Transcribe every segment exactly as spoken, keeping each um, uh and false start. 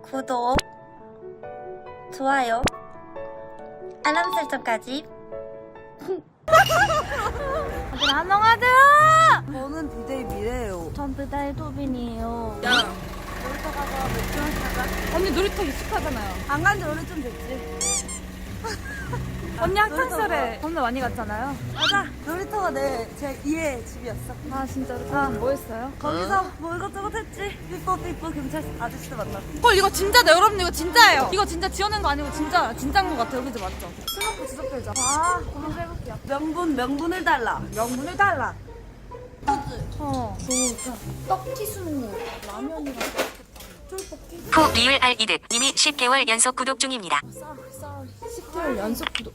구독, 좋아요, 알람 설정까지. 다들 안녕하세요. 저는 비데이 미래예요. 전 배달 도빈이에요. 야, 놀이터 가서 맥주 한잔 하자. 언니 놀이터 익숙하잖아요. 안 간지 오래 좀 됐지. 언니 놀이터 학창시절에 겁나 많이 갔잖아요. 맞아. 놀이터가 내 제 이의 집이었어. 아 진짜로? 아, 뭐 했어요? 거기서 뭐 이것저것 했지. 삐뽀 삐뽀 경찰 아저씨도 만났고. 헐 이거 진짜다 여러분, 이거 진짜예요. 이거 진짜 지어낸 거 아니고 진짜 진짜인 것 같아요. 그죠? 맞죠? 술 먹고 지적들자. 아 한번 해볼게요. 명분 명분을 달라. 명분을 달라. 어. 너무 떡튀순 라면이랑 쫄볶이. 후 리을 알 이득 님이 십 개월 연속 구독 중입니다. 쌀, 쌀. 십 개월 연속 구독.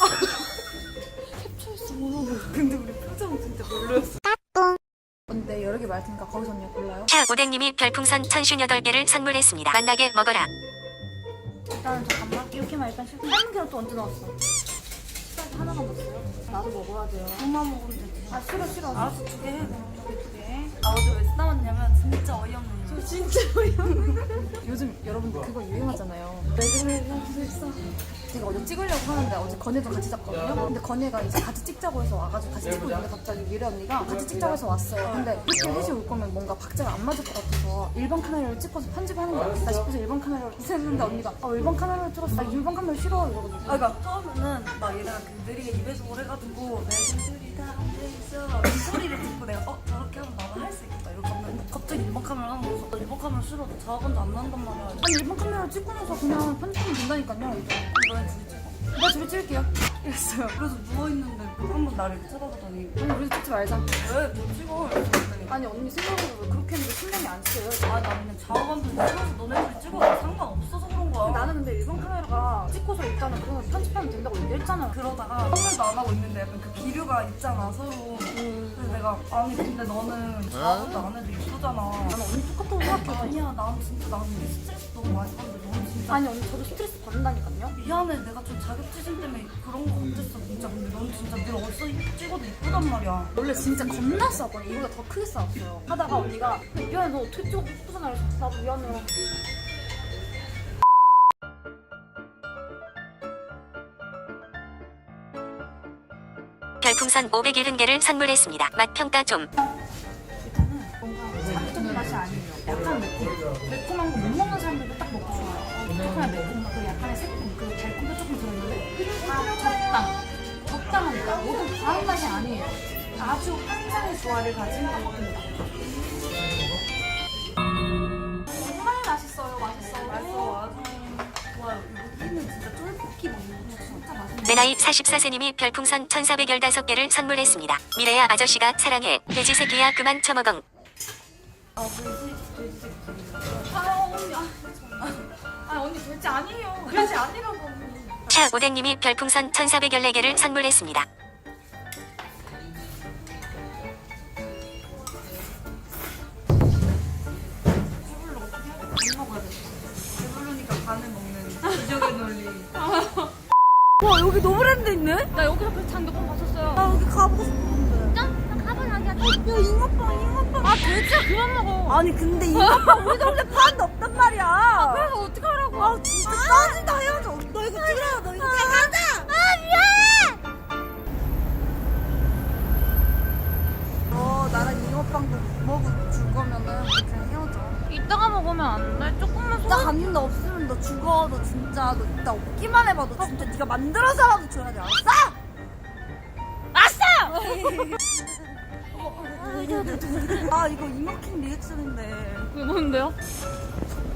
캡처했어. 근데 우리 표정 진짜 별로였어. 근데 여러 개 많을 테니까 거기서 언니 골라요. 차 오뎅님이 별풍선 천쉰여덟 개를 선물했습니다. 만나게 먹어라. 일단은 잠깐만 이렇게만 일단 실패. 삶은 계란 또 언제 넣었어? 쌀 하나만 넣었어요? 나도 먹어야 돼요. 그만 먹으면 되지. 아 싫어 싫어. 알았어, 두 개 해. 두 개. 나 어제 왜 싸웠냐면 진짜 어이없는 일. 저 진짜 어이없는. 요즘 여러분들 그거 유행하잖아요. 왜 그래 나 있어. 제가 어제 찍으려고 하는데 어제 건혜도 같이 잡거든요. 근데 건혜가 이제 같이 찍자고 해서 와가지고 같이 찍고 있는데 갑자기 미래 언니가 같이 찍자고 해서 왔어요. 근데 이렇게 셋이 올 거면 뭔가 박자가 안 맞을 것 같아서 일 번 카메라를 찍어서 편집하는 거 같다 싶어서 일 번 카메라를 했는데 언니가 아 일 번 카메라를 찍었어. 나 일 번 카메라 싫어 이러거든요. 아, 그러니까 처음에는 막 얘네가 그 느리게 입에서 해가지고 내들이 다 앉아있어 이 소리를 듣고 내가 어 저렇게 하면 나도 할 수 있겠다 이렇게 하면 갑자기 일번 카메라 하는 거서 일번 카메라 싫어 자아감도 안 난단 말이야. 아니 일 번 카메라 찍고 나서 그냥 편집하면 된다니까요. 이제. 너네 둘이 찍어. 나 집에 찍을게요. 이랬어요. 그래서 누워있는데 한 번 나를 이렇게 쳐다보더니 아니 우리 찍지 말자. 왜 못 찍어? 이랬더니 아니 언니 생각으로 왜 그렇게 했는데 신경이 안 쓰여요? 아 나 그냥 좌우감도 싫어서 너네들이 찍어도 상관없어서 그런 거야. 나는 근데 일본 카메라가 찍고서 일단은 그거는 편집하면 된다고 얘기했잖아요. 그러다가 아무 말도 안 하고 있는데 약간 그 기류가 있잖아 서로. 그래서 내가 아니 근데 너는 좌우도 안 해도 이쁘잖아. 나는 언니 똑같다고 생각해. 아니야 난 진짜 나는 스트레스 너무 많이 받는데 너는 진짜 아니 언니 저도 스트레스 받는다니까요. 미안해 내가 좀 자격지심 때문에 그런 거 같았어 진짜. 근데 넌 진짜 늘 어디서 찍어도 이쁘단 말이야. 원래 진짜 겁나 싸웠거든요. 이보다 더 크게 싸웠어요. 하다가 언니가 미안해 너 어떻게 찍어도 이쁘잖아. 그래서 나도 미안해요. 별풍선 오백칠십 개를 선물했습니다. 맛 평가 좀. 일단은 뭔가 자극적인 맛이 아니에요. 약간 매콤. 매콤한 거 못 먹는 사람들도 딱 먹고 좋아요. 매콤한 매콤한 그 약간의 새콤, 그 달콤도 조금 들어있는데 다 적당. 적당합니다. 모든 과한 맛이 아니에요. 아주 환상의 조화를 가진 떡볶이입니다. 정말 맛있어요. 맛있어요. 맛있어 아주 좋아요. 여기는 진짜 쫄볶이 먹는 거 진짜 맛있네. 내 나이 사십사 세님이 별풍선 천사백십오 개를 선물했습니다. 미래야 아저씨가 사랑해. 돼지 새끼야 그만 처먹엉. 아 돼지 돼지 새끼. 아 언니, 아 정말. 아 언니 절대 아니에요. 그러지 아니라고 언니. 차 오뎅님이 별풍선 천사백십사 개를 선물했습니다. 배불러 어떻게 해? 안 먹어야 돼. 배부르니까 반을 먹는 기적의 논리. 와 여기 노브랜드 있네? 나 여기서 그 장도건 봤었어요. 나 여기 가보고 싶었는데. 나 가봐야겠다. 야 잉어빵 잉어빵. 아 돼지야 그만 먹어. 아니 근데 잉어빵 우리 동네 파는데 없단 말이야. 그래서 어떡하라고. 아 진짜 짜증나 헤어져. 너 이거 찍으라. 너 이거 가자. 아 미안해. 너 나랑 잉어빵도 먹어 줄 거면은 그냥 헤어져. 이따가 먹으면 안 돼? 조금만 나 갔는데 없으면 너 죽어. 너 진짜 너 이따 없기만 해봐. 너 진짜 네가 만들어서라도 줘야 돼. 알았어? 아싸! 아 이거 이모킹 리액션인데. 그게 뭔데요?